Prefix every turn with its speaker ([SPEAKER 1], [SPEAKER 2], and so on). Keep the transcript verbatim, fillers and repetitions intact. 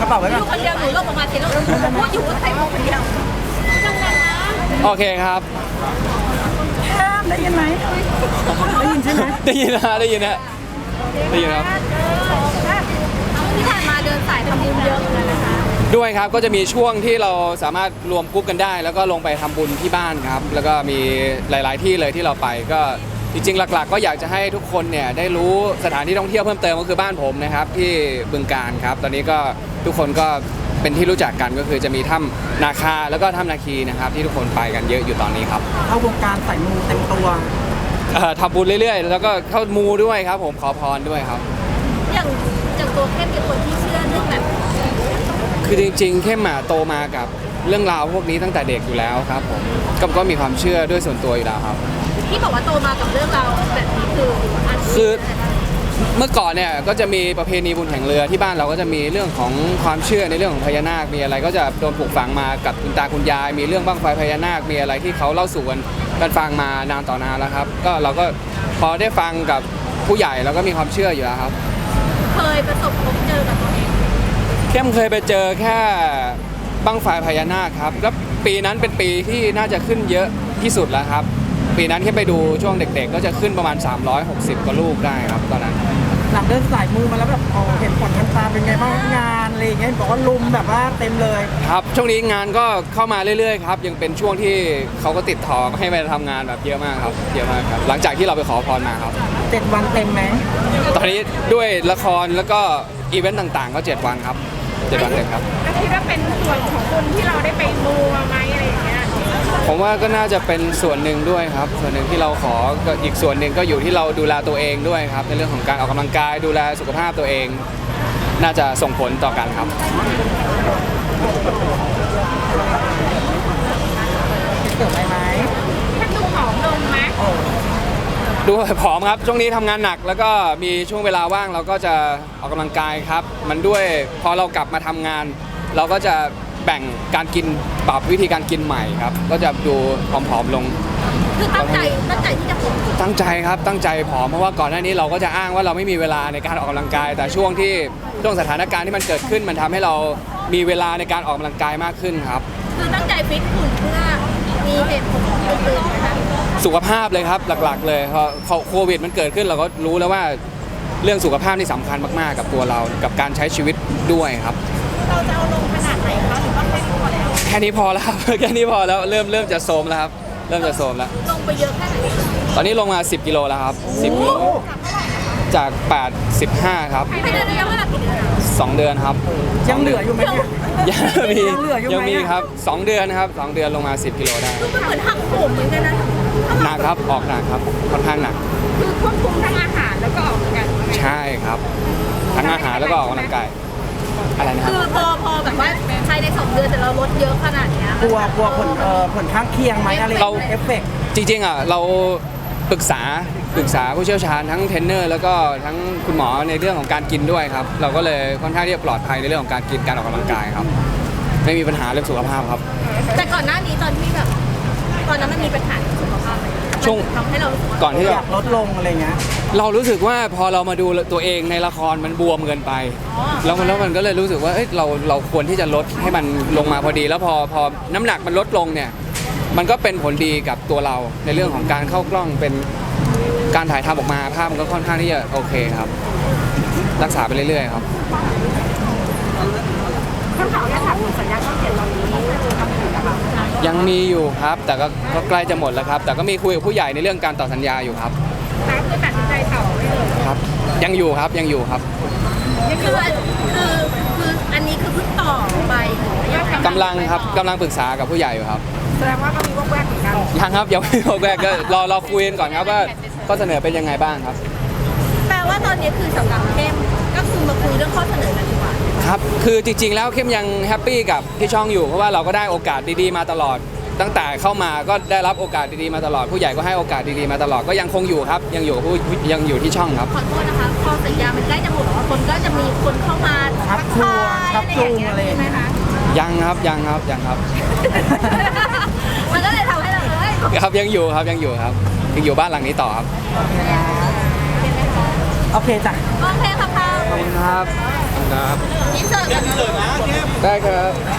[SPEAKER 1] ระเป๋าไว้ก่อน
[SPEAKER 2] อยู่คนเดียวหนูลงออกมาทีแล้วพูดอยู่ว่าใครคนเดียวจังหวะนะ
[SPEAKER 3] โอเคครับ
[SPEAKER 1] ได้ยินไหมได้ยินใช่ไหม
[SPEAKER 3] ได้ยินนะได้ยินนะได้ยินครับ
[SPEAKER 2] ที่ผ่านมาเดินสายทำบุญเยอะเลยนะคะ
[SPEAKER 3] ด้วยครับก็จะมีช่วงที่เราสามารถรวมกรุ๊ปกันได้ แล้วก็ลงไปทำบุญที่บ้านครับแล้วก็มีหลาย ๆ ที่เลยที่เราไปก็จริง ๆ หลัก ๆ ก็อยากจะให้ทุกคนเนี่ยได้รู้สถานที่ท่องเที่ยวเพิ่มเติมก็คือบ้านผมนะครับที่บึงกาฬครับตอนนี้ก็ทุกคนก็เป็นที่รู้จักกันก็คือจะมีถ้ำนาคาแล้วก็ถ้ำนาคีนะครับที่ทุกคนไปกันเยอะอยู่ตอนนี้ครับ
[SPEAKER 1] เข้าวงการใส่มูเต็มตัว
[SPEAKER 3] เอ่อทำบุญเรื่อย ๆ แล้วก็เข้ามูด้วยครับผมขอพรด้วยครับ
[SPEAKER 2] อย่างจากตัวเข้มเป็นคนที่เชื่อเรื่องแบบ
[SPEAKER 3] คือจริงๆเข้มอะโตมากับเรื่องราวพวกนี้ตั้งแต่เด็กอยู่แล้วครับผมก็ก็มีความเชื่อด้วยส่วนตัวอยู่แล้วครับ
[SPEAKER 2] ที่บอกว่าโตมากับเรื่องราวแบบนี้คืออัน
[SPEAKER 3] คือเมื่อก่อนเนี่ยก็จะมีประเพณีบุญแข่งเรือที่บ้านเราก็จะมีเรื่องของความเชื่อในเรื่องของพญานาคมีอะไรก็จะโดนปลูกฝังมากับคุณตาคุณยาย มีเรื่องบั้งไฟพญานาคมีอะไรที่เขาเล่าสู่กันกันฟังมานานต่อนานแล้วครับก็เราก็พอได้ฟังกับผู้ใหญ่เราก็มีความเชื่ออยู่แล้วครับ
[SPEAKER 2] เคยประสบพบเจอกับตัวเอง
[SPEAKER 3] เข้มเคยไปเจอแค่บั้งไฟพญานาคครับแล้วปีนั้นเป็นปีที่น่าจะขึ้นเยอะที่สุดแล้วครับปีนั้นเข้มไปดูช่วงเด็ก ๆ ก็จะขึ้นประมาณสามร้อยหกสิบกว่าลูกได้ครับตอนนั้น
[SPEAKER 1] หลังเดินสายมูมาแล้วแบบอ๋อเห็นผลทันตาเป็นไงบ้างงานอะไรอย่างเงี้ยบอกว่าลุมแบบว่าเต็มเลย
[SPEAKER 3] ครับช่วงนี้งานก็เข้ามาเรื่อยๆครับยังเป็นช่วงที่เขาก็ติดต่อให้ไปทำงานแบบเยอะมากครับเยอะมากครับหลังจากที่เราไปขอพรมาครับ
[SPEAKER 1] เจ็ดวันเต็มไหม
[SPEAKER 3] ตอนนี้ด้วยละครแล้วก็อีเวนต์ต่างๆ ก็เจ็ดวันครับเจ็ดวันเต็มครับ
[SPEAKER 4] ก็คิดว่าเป็นส่วนของคุณที่เราได้ไปมูมาไหมอะไรอย่างเงี้ย
[SPEAKER 3] ผมว่าก็น่าจะเป็นส่วนหนึ่งด้วยครับส่วนหนึ่งที่เราขอก็อีกส่วนหนึ่งก็อยู่ที่เราดูแลตัวเองด้วยครับในเรื่องของการออกกำลังกายดูแลสุขภาพตัวเอง น่าจะส่งผลต่อกันครับ
[SPEAKER 1] เกิดอะไรไหม
[SPEAKER 4] ถ้าดูผอมลงไหม
[SPEAKER 1] โอ้
[SPEAKER 3] ดูผอมครับช่วงนี้ทำงานหนักแล้วก็มีช่วงเวลาว่างเราก็จะออกกำลังกายครับ มันด้วยพอเรากลับมาทำงาน เราก็จะแบ่งการกินปรับวิธีการกินใหม่ครับ ก็จะดูผอมๆลง
[SPEAKER 2] คือตั้งใจตั้งใจที่จะผม
[SPEAKER 3] ตั้งใจครับตั้งใจผอมเพราะว่าก่อนหน้านี้เราก็จะอ้างว่าเราไม่มีเวลาในการออกกำลังกาย แต่ช่วงที่ช่วงสถานการณ์ที่มันเกิดขึ้นมันทำให้เรามีเวลาในการออกกำลังกายมากขึ้นครับ
[SPEAKER 2] คือตั้งใจฟิตหุ่นเพื่อมีเหตุผลอื่นๆนะคะ
[SPEAKER 3] สุขภาพเลยครับหลักๆ เลยพอโควิดมันเกิดขึ้นเราก็รู้แล้วว่าเรื่องสุขภาพนี่สำคัญมากๆกับตัวเรากับการใช้ชีวิตด้วยครับ
[SPEAKER 4] เราจะเอาลงขนาดไหนคะหรือว่าแค่นี้พอแล้ว
[SPEAKER 3] แค่นี้พอแล้วครับ แค่นี้พอแล้วเริ่มเริ่มจะโทรมแล้วครับเริ่มจะโทรมแล้ว
[SPEAKER 2] ลงไปเยอะแค่ไหน
[SPEAKER 3] ตอนนี้ลงมาสิบกิโลแล้วครับสิบกิโลจากแปดสิบห้าครับ
[SPEAKER 2] ภายในระยะเวลากี่เดือนอะ
[SPEAKER 3] สองเดือนครับ
[SPEAKER 1] ยังเหลืออยู่ไหมเนี่ย
[SPEAKER 3] ยังมี
[SPEAKER 1] ยังเหลืออยู่ไหม
[SPEAKER 3] ยังมีครับสองเดือนครับสองเดือนลงมาสิบกิโลได้
[SPEAKER 2] คือมันเหมือนหักโหมเหมือนกันนะ
[SPEAKER 3] หนักครับออกหนักครับค่อนข้างหนัก
[SPEAKER 4] คือควบคุมทั้งอาหารแล้วก็ออกกำลังกาย
[SPEAKER 3] ใช่ครับทั้งอาหารแล้วก็ออกกำลังกายอะไรนะค
[SPEAKER 2] คื
[SPEAKER 3] รับ
[SPEAKER 2] อพอพอแบบว่าภายในสองเดือนแต่เราลดเยอะขนาดเนี้ย
[SPEAKER 1] กลัวกลัวผลเอ่อผลข้างเคียงไหมอะไร
[SPEAKER 3] เรา
[SPEAKER 1] เอฟเฟกต์
[SPEAKER 3] จริงๆอ่ะเราปรึกษาปรึกษาผู้เชี่ยวชาญทั้งเทรนเนอร์แล้วก็ทั้งคุณหมอในเรื่องของการกินด้วยครับเราก็เลยค่อนข้างที่จะปลอดภัยในเรื่องของการกินการออกกำลังกายครับ ไม่มีปัญหาเรื่องสุขภาพครับ
[SPEAKER 2] แต่ก่อนหน้านี้ตอนที่แบบตอนนั้นมันมีปัญหาสุขภาพไหม
[SPEAKER 3] ช่วง
[SPEAKER 2] ทำให้เรารู้สึกว่า
[SPEAKER 3] ก่อนที่
[SPEAKER 1] อ
[SPEAKER 3] จะ
[SPEAKER 1] ยากลดลงอะไรเงี้ย
[SPEAKER 3] เรารู้สึกว่าพอเรามาดูตัวเองในละครมันบวมเกินไป
[SPEAKER 2] อ๋อ
[SPEAKER 3] แล้วมันแล้วมันก็เลยรู้สึกว่าเอ้ยเราเราควรที่จะลดให้มันลงมาพอดี แล้วพอพอน้ำหนักมันลดลงเนี่ยมันก็เป็นผลดีกับตัวเราในเรื่องของการเข้ากล้องเป็นการถ่ายทำออกมาภาพมันก็ค่อนข้างที่จะโอเคครับ รักษาไปเรื่อยๆครับ
[SPEAKER 4] ข้างเขาเนี่ยถามถึงสัญญาช่องเจ็ดตอนนี้คือทำอยู่กับเรา
[SPEAKER 3] ยังมีอยู่ครับ แต่ก็ก็ใกล้จะหมดแล้วครับ แต่ก็มีคุยกับผู้ใหญ่ในเรื่องการต่อสัญญาอยู่ครับ
[SPEAKER 4] แต่คือตัดสินใจต่อไม่เลย
[SPEAKER 3] ครับ ยังอยู่ครับยังอยู่ครับ
[SPEAKER 2] นี่คือคือคืออันนี้คือเพิ่งต่อไปหรือว่ายังไง
[SPEAKER 3] กำลังครับกำลังปรึกษากับผู้ใหญ่อยู่ครับ
[SPEAKER 4] แสดงว่าก็มีวอกแวกเหมือนกัน
[SPEAKER 3] ยังครับยังไม่บอกแรกก็รอรอคุยกันก่อนครับว่าข้อเสนอเป็นยังไงบ้างครับ
[SPEAKER 2] แปลว่าตอนนี้คือสำหรับเข้มก็คือมาคุยเรื่องข้อเสนอกันดีกว่า
[SPEAKER 3] ครับ คือจริงๆ แล้วเข้มยังแฮปปี้กับที่ช่องอยู่ เพราะว่าเราก็ได้โอกาสดีๆ มาตลอด ตั้งแต่เข้ามาก็ได้รับโอกาสดีๆ มาตลอด ผู้ใหญ่ก็ให้โอกาสดีๆ มาตลอด ก็ยังคงอยู่ครับ ยังอยู่ผู้ยังอยู่ที่ช่องครับ
[SPEAKER 2] ขอโทษนะคะพอสัญญามันใกล้จะหมดแล้วคนก็จะมีคนเข้ามา
[SPEAKER 1] ชักชวนชักจูงอะไรอย่าง
[SPEAKER 2] ใช่ไหม
[SPEAKER 1] เงี้ย
[SPEAKER 2] คะ
[SPEAKER 3] ยังครับยังครับยังครับ
[SPEAKER 2] มันก็เลยทำให้เราเอ้ย
[SPEAKER 3] ครับยังอยู่ครับยังอยู่ครับยังอยู่บ้านหลังนี้ต่อครับ
[SPEAKER 1] โอเคจ้ะ
[SPEAKER 2] โอเคค่ะพา
[SPEAKER 3] ขอบคุณครับขอบคุณครับ
[SPEAKER 2] อินเสิร์ตกันนะ
[SPEAKER 3] ได้ครับ